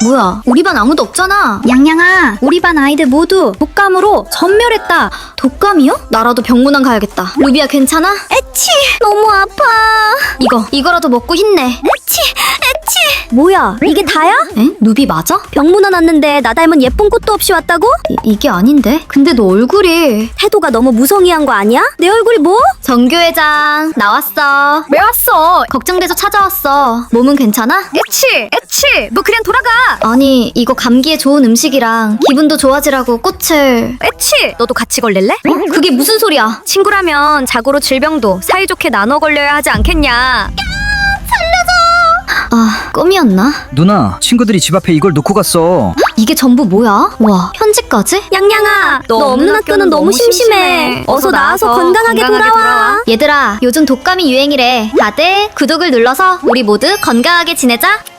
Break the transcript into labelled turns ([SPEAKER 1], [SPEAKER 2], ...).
[SPEAKER 1] 뭐야, 우리 반 아무도 없잖아.
[SPEAKER 2] 냥냥아, 우리 반 아이들 모두 독감으로 전멸했다.
[SPEAKER 1] 독감이요? 나라도 병문안 가야겠다. 루비야 괜찮아?
[SPEAKER 2] 에치, 너무 아파.
[SPEAKER 1] 이거라도 먹고 힘내.
[SPEAKER 2] 에치. 뭐야, 이게 다야?
[SPEAKER 1] 에? 루비 맞아?
[SPEAKER 2] 병문안 왔는데 나 닮은 예쁜 꽃도 없이 왔다고?
[SPEAKER 1] 이게 아닌데? 근데 너 얼굴이...
[SPEAKER 2] 태도가 너무 무성의한 거 아니야? 내 얼굴이 뭐?
[SPEAKER 1] 정교회장 나왔어.
[SPEAKER 3] 왜 왔어?
[SPEAKER 1] 걱정돼서 찾아왔어. 몸은 괜찮아?
[SPEAKER 3] 에치! 너 그냥 돌아가!
[SPEAKER 1] 아니 이거 감기에 좋은 음식이랑 기분도 좋아지라고 꽃을...
[SPEAKER 3] 에치! 너도 같이 걸릴래?
[SPEAKER 1] 그게 무슨 소리야?
[SPEAKER 3] 친구라면 자고로 질병도 사이좋게 나눠 걸려야 하지 않겠냐?
[SPEAKER 1] 아, 꿈이었나?
[SPEAKER 4] 누나, 친구들이 집 앞에 이걸 놓고 갔어.
[SPEAKER 1] 이게 전부 뭐야? 와, 편지까지?
[SPEAKER 2] 냥냥아, 너 없는 학교는 너무 심심해. 어서 나와서 건강하게 돌아와.
[SPEAKER 1] 얘들아, 요즘 독감이 유행이래. 다들 구독을 눌러서 우리 모두 건강하게 지내자.